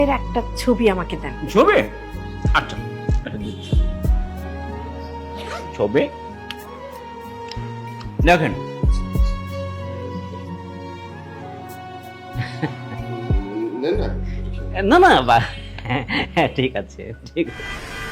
এর একটা ছবি আমাকে দেন। ছবি? আচ্ছা ছবি দেখেন। না না ঠিক আছে ঠিক আছে।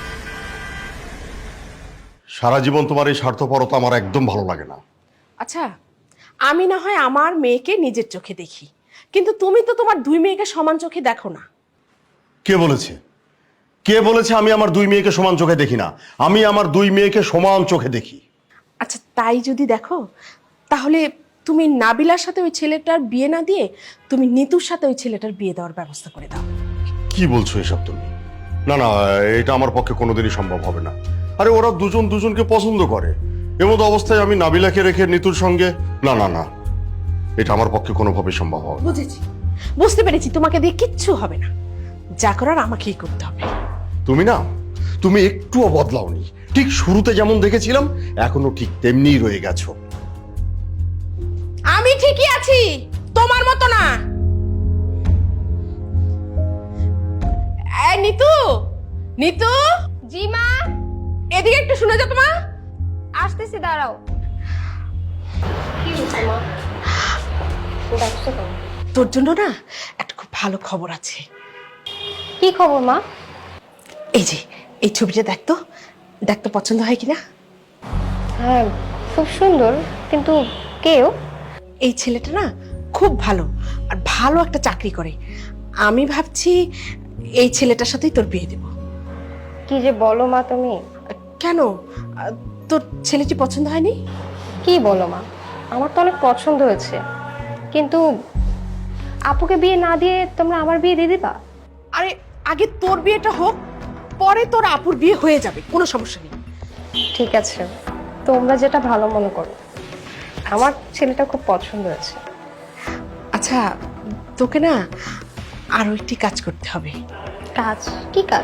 সারা জীবন তোমার এই স্বার্থপরতা আমার একদম ভালো লাগে না। আচ্ছা, আমি না হয় আমার মেয়েকে নিজের চোখে দেখি, কিন্তু তুমি তো তোমার দুই মেয়েকে সমান চোখে দেখো না। কে বলেছে? কে বলেছে আমি আমার দুই মেয়েকে সমান চোখে দেখি না? আমি আমার দুই মেয়েকে সমান চোখে দেখি। আচ্ছা, তাই যদি দেখো তাহলে তুমি নাবিলার সাথে ওই ছেলেটার বিয়ে না দিয়ে তুমি নিতুর সাথে ওই ছেলেটার বিয়ে দেওয়ার ব্যবস্থা করে দাও। কি বলছো এসব তুমি? না না, এটা আমার পক্ষে কোনোদিনই সম্ভব হবে না। আরে ওরা দুজন দুজনকে পছন্দ করে, এমতো অবস্থায় আমি নাবিলাকে রেখে নিতুর সঙ্গে, না না না, এটা আমার পক্ষে কোনোভাবেই সম্ভব হবে না। বুঝেছি, বুঝতে পেরেছি, তোমাকে দিয়ে কিচ্ছু হবে না, যা করার আমাকেই করতে হবে। তুমি না, তুমি একটুও বদলাওনি। ঠিক শুরুতে যেমন দেখেছিলাম এখনো ঠিক তেমনিই রয়ে গেছো। আমি ঠিকই আছি, তোমার মতো না। এই নিতু, নিতু। জি মা, এদিকে একটু শুনে যাও। তোমার আসতেছি, দাঁড়াও। কি হয়েছে মা? ডাকছো কেন? তোর জন্য না একটা খুব ভালো খবর আছে। কি খবর মা? এই যে এই ছবিটা দেখতো, দেখতো পছন্দ হয় কিনা। হ্যাঁ, খুব সুন্দর, কিন্তু কেউ? এই ছেলেটা না খুব ভালো আর ভালো একটা চাকরি করে। আমি ভাবছি এই ছেলেটার সাথেই তোর বিয়ে দেব। কি যে বলো মা তুমি? কেন, তোর ছেলেটি পছন্দ হয়নি? কি বলো মা, আমার তো অনেক পছন্দ হয়েছে, কিন্তু আপুকে বিয়ে না দিয়ে তোমরা আমার বিয়ে দিয়ে দিবা? আরে আগে তোর বিয়েটা হোক, পরে তোর আপুর বিয়ে হয়ে যাবে, কোনো সমস্যা নেই। ঠিক আছে, তোমরা যেটা ভালো মনে করো। আমার ছেলেটা খুব পছন্দ হয়েছে। আচ্ছা, তোকে না আরো একটি কাজ করতে হবে। কাজ? কি কাজ?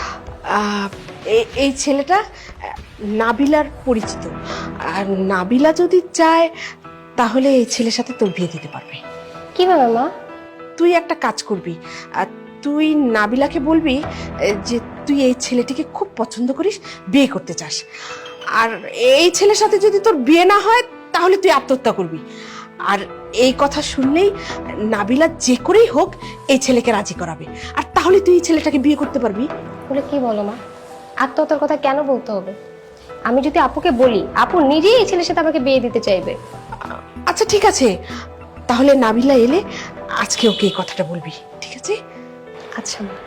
এই ছেলেটা নাবিলার পরিচিত, আর নাবিলা যদি চায় তাহলে এই ছেলের সাথে তোর বিয়ে দিতে পারবে। কিভাবে মা? তুই একটা কাজ করবি, আর তুই নাবিলাকে বলবি যে তুই এই ছেলেটিকে খুব পছন্দ করিস, বিয়ে করতে চাস, আর এই ছেলের সাথে যদি তোর বিয়ে না হয় তাহলে তুই আত্মহত্যা করবি। আর এই কথা শুনলেই নাবিলা যে করেই হোক এই ছেলেকে রাজি করাবে, আর তাহলে তুই এই ছেলেটাকে বিয়ে করতে পারবি। বলে কি বলো মা? আত্মহত্যার কথা কেন বলতে হবে? আমি যদি আপুকে বলি, আপু নিজেই এই ছেলের সাথে আমাকে বিয়ে দিতে চাইবে। আচ্ছা ঠিক আছে, তাহলে নাবিলা এলে আজকে ওকে এই কথাটা বলবি, ঠিক আছে? আচ্ছা মা।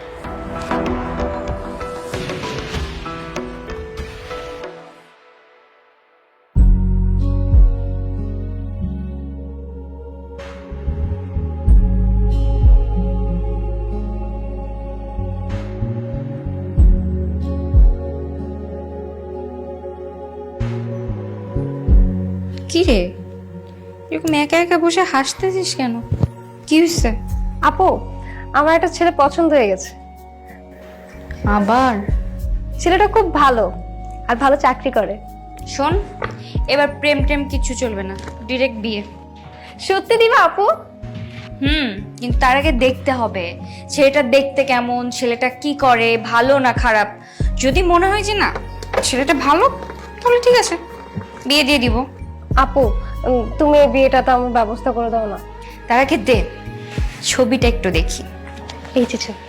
কি রে, এরকম একা একা বসে হাসতেছিস কেন? কি হয়েছে? আপু, আমার একটা ছেলে পছন্দ হয়ে গেছে। আবার? ছেলেটা খুব ভালো আর ভালো চাকরি করে। শোন, এবার প্রেম টেম কিচ্ছু চলবে না, ডিরেক্ট বিয়ে। সত্যি দিবা আপু? কিন্তু তার আগে দেখতে হবে ছেলেটা দেখতে কেমন, ছেলেটা কি করে, ভালো না খারাপ। যদি মনে হয় যে না ছেলেটা ভালো, তাহলে ঠিক আছে, বিয়ে দিয়ে দিব। আপু, তুমি এই বিয়েটা তো আমার ব্যবস্থা করে দাও না। তার আগে দে ছবিটা একটু দেখি। এই যে ছবি।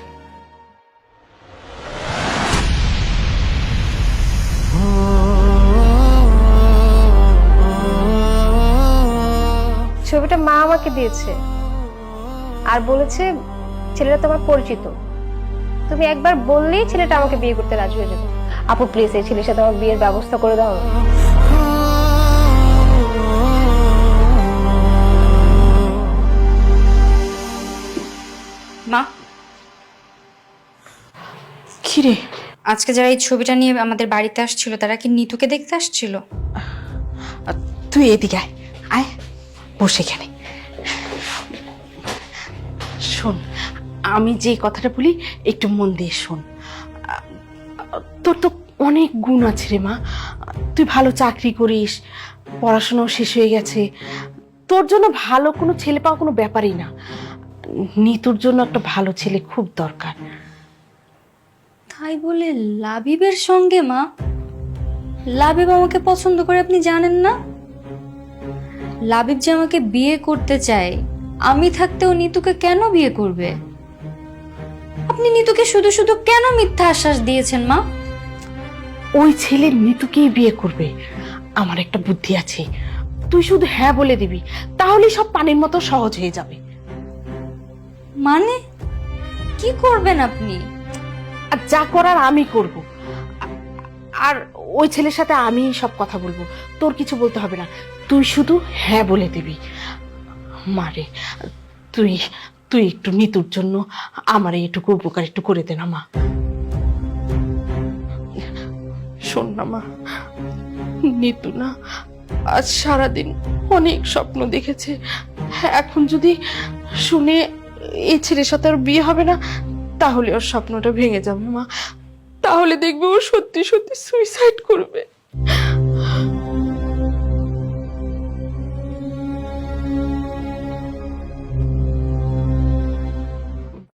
ছবিটা মা আমাকে দিয়েছে আর বলেছে ছেলেটা তোমার পরিচিত, তুমি একবার বললেই ছেলেটা আমাকে বিয়ে করতে রাজি হয়ে যাবে। আপু প্লিজ এই ছেলের সাথে আমার বিয়ের ব্যবস্থা করে দাও না। মা, কি রে? আজকে যারা এই ছবিটা নিয়ে আমাদের বাড়িতে আসছিল তারা কি নিতুকে দেখতে আসছিল? তুই এদিকে আয়, আয় বসে এখানে শোন। আমি যে কথাটা বলি একটু মন দিয়ে শোন। তোর তো অনেক গুণ আছে রে মা, তুই ভালো চাকরি করিস, পড়াশোনাও শেষ হয়ে গেছে, তোর জন্য ভালো কোনো ছেলে পাওয়া কোনো ব্যাপারই না। নিতুর জন্য একটা ভালো ছেলে খুব দরকার। তাই বলে লাবিবের সঙ্গে মা? লাবিব আমাকে পছন্দ করে আপনি জানেন না? লাবিব যে আমাকে বিয়ে করতে চায়, আমি থাকতেও নিতুকে কেন বিয়ে করবে? আপনি নিতুকে শুধু শুধু কেন মিথ্যা আশ্বাস দিয়েছেন মা? ওই ছেলে নিতুকেই বিয়ে করবে। আমার একটা বুদ্ধি আছে, তুই শুধু হ্যাঁ বলে দিবি, তাহলেই সব পানির মতো সহজ হয়ে যাবে। মানে কি করবেন আপনি? আর যা করার আমি করব। আর ওই ছেলের সাথে আমি সব কথা বলবো, তোর কিছু বলতে হবে না, তুই শুধু হ্যাঁ বলে দিবি। মারে, তুই তুই একটু নিতুর জন্য আমার এইটুকু উপকার একটু করে দে না মা। শোন না মা, নিতু না আজ সারাদিন অনেক স্বপ্ন দেখেছে। এখন যদি শুনে এই ছেলের সাথে আর বিয়ে হবে না, তাহলে ওর স্বপ্নটা ভেঙে যাবে মা। তাহলে দেখবে ও সত্যি সত্যি সুইসাইড করবে।